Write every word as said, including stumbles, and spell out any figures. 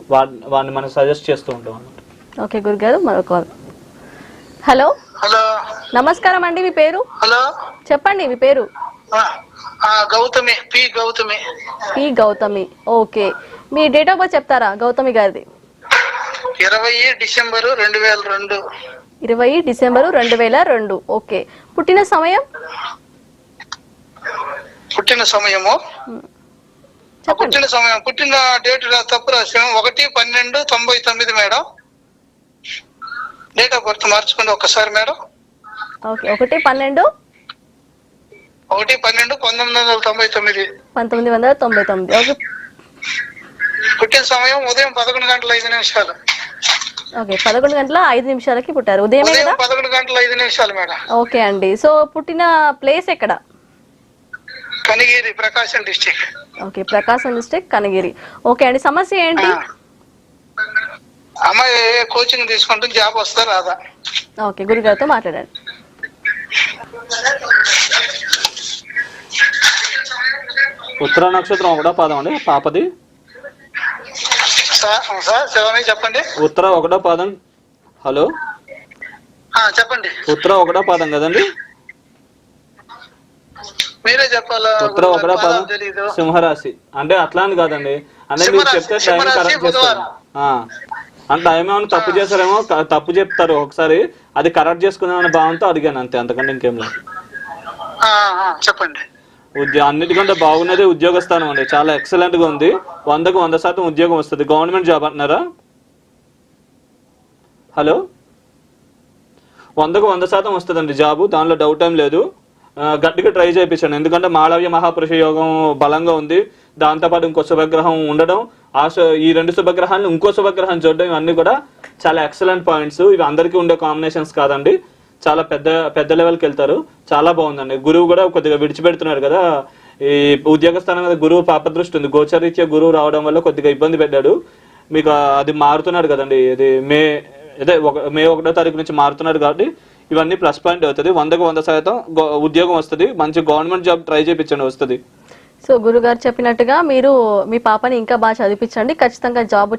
వాడిని మనం సజెస్ట్ చేస్తూ ఉంటాం అన్నమాట. ఓకే గురుగారు, మరో కాల్. హలో హలో, నమస్కారం అండి, మీ పేరు హలో, చెప్పండి. మీ పేరు? Gautami, P Gautami. P Gautami. Okay, మీ డేట్ ఆఫ్ బర్త్ చెప్తారా గౌతమి గారిది? ఇరవై డిసెంబరు రెండు వేల రెండు. ఇరవై డిసెంబరు రెండు వేల రెండు. ఓకే, పుట్టిన సమయం? పుట్టిన సమయము పుట్టిన సమయం పుట్టిన డేట్ తప్పు రాసాము. ఒకటి పన్నెండు తొంభై తొమ్మిది మేడం. డేట్ ఆఫ్ బర్త్ మార్చుకోండి ఒక్కసారి మేడం. ఓకే, ఒకటి పన్నెండు ఒకటి పన్నెండు పంతొమ్మిది వందల తొంభై తొమ్మిది. పంతొమ్మిది వందల తొంభై తొమ్మిది. ఓకే, పుట్టిన సమయం ఉదయం పదకొండు గంటల ఐదు నిమిషాలు. ఓకే, పదకొండు గంటల ఐదు నిమిషాలకి పుట్టారు. ఉదయం పదకొండు గంటల ఐదు నిమిషాలు మేడం. ఓకే అండి, సో పుట్టిన ప్లేస్ ఎక్కడ? Kanigiri, Prakasam district. Okay, Prakasam district, Kanigiri. Okay అండి, సమస్య ఏంటి? అమ్మాయి కోచింగ్ తీసుకుంటూ జాబ్ వస్తా రాదా? ఓకే, గురుగారితో మాట్లాడండి. ఉత్తర నక్షత్రం ఒకటో పాదం అండి పాపది. చెప్పండి. ఉత్తర ఒకటో పాదం. హలో చెప్పండి. ఉత్తర ఒకటో పాదం కదండి? మీరే చెప్పాలా? ఉత్తర ఒకటో పాదం, సింహరాశి. అంటే అట్లా అని కాదండి, అంటే మీరు చెప్తే టైం కరెక్ట్ చేస్తారు. అంటే ఏమేమైనా తప్పు చేస్తారేమో, తప్పు చెప్తారు ఒకసారి, అది కరెక్ట్ చేసుకుందామనే భావంతో అడిగాను అంతే, అంతకంటే ఇంకేం లేదు. చెప్పండి. ఉద్యోగ అన్నిటికంటే బాగున్నది ఉద్యోగ స్థానం అండి, చాలా ఎక్సలెంట్ గా ఉంది. వందకు వంద శాతం ఉద్యోగం వస్తుంది. గవర్నమెంట్ జాబ్ అంటున్నారా? హలో, వందకు వంద శాతం వస్తుందండి జాబు, దానిలో డౌట్ ఏం లేదు. గట్టిగా ట్రై చేయించండి, ఎందుకంటే మాళవ్య మహాపురుష యోగం బలంగా ఉంది. దాంతోపాటు ఇంకో శుభగ్రహం ఉండడం, ఆ ఈ రెండు శుభగ్రహాలను ఇంకో శుభగ్రహం చూడడం, ఇవన్నీ కూడా చాలా ఎక్సలెంట్ పాయింట్స్. ఇవి అందరికీ ఉండే కాంబినేషన్స్ కాదండి, చాలా పెద్ద పెద్ద లెవెల్కి వెళ్తారు. చాలా బాగుందండి. గురువు కూడా కొద్దిగా విడిచిపెడుతున్నారు కదా, ఈ ఉద్యోగ స్థానం మీద గురువు పాపదృష్టి ఉంది. గోచరీత్యా గురువు రావడం వల్ల కొద్దిగా ఇబ్బంది పెట్టాడు మీకు. అది మారుతున్నాడు కదండి, ఇది మే అదే ఒక మే ఒకటో తారీఖు నుంచి మారుతున్నాడు కాబట్టి ఇవన్నీ ప్లస్ పాయింట్ అవుతుంది. వందకు వంద శాతం ఉద్యోగం వస్తుంది. మంచి గవర్నమెంట్ జాబ్ ట్రై చేయించండి, వస్తుంది. సో గురుగారు చెప్పినట్టుగా మీరు మీ పాపని ఇంకా బాగా చదివించండి, ఖచ్చితంగా జాబ్